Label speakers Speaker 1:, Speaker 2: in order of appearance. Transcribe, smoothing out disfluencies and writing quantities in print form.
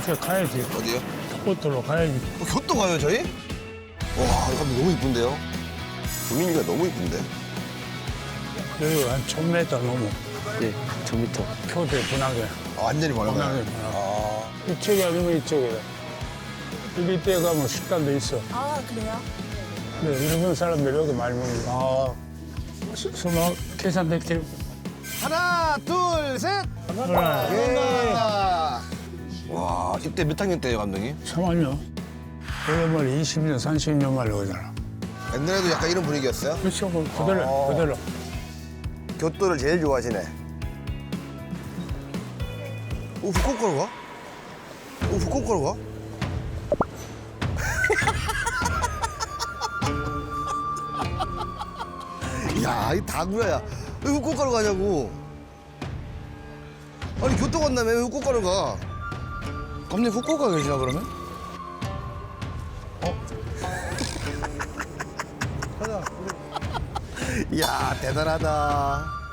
Speaker 1: 그렇게 가야지.
Speaker 2: 어디요?
Speaker 1: 꽃들로 가야지.
Speaker 2: 교토 가요 저희? 와 이거 너무 이쁜데요? 분위기가 너무 이쁜데?
Speaker 1: 여기 한 1000m 넘어.
Speaker 3: 네, 1000m.
Speaker 1: 표대 분하게.
Speaker 2: 아, 완전히
Speaker 1: 분하게.
Speaker 2: 멀어요. 아,
Speaker 1: 이쪽이 아니면 이쪽이다. 여기 때 가면 식당도 있어.
Speaker 4: 아, 그래요?
Speaker 1: 네, 일본 사람들 여기 많이 먹는 거. 수마 계산대
Speaker 2: 하나 둘 셋.
Speaker 1: 하나,
Speaker 2: 예. 와 이때 몇 학년 때예요 감독님?
Speaker 1: 3학년. 원래 20년, 30년 만에 오잖아.
Speaker 2: 옛날에도 약간 이런 분위기였어요?
Speaker 1: 그렇죠, 그대로, 그대로.
Speaker 2: 교토를 제일 좋아하시네. 오 후쿠오카로 가? 오 후쿠오카로 가? 야, 이 다구야야. 왜 후쿠오카로 가냐고. 아니 교토 간다며 왜 후쿠오카로 가? 감독님 후쿠오카 계시나 그러면? 야 대단하다.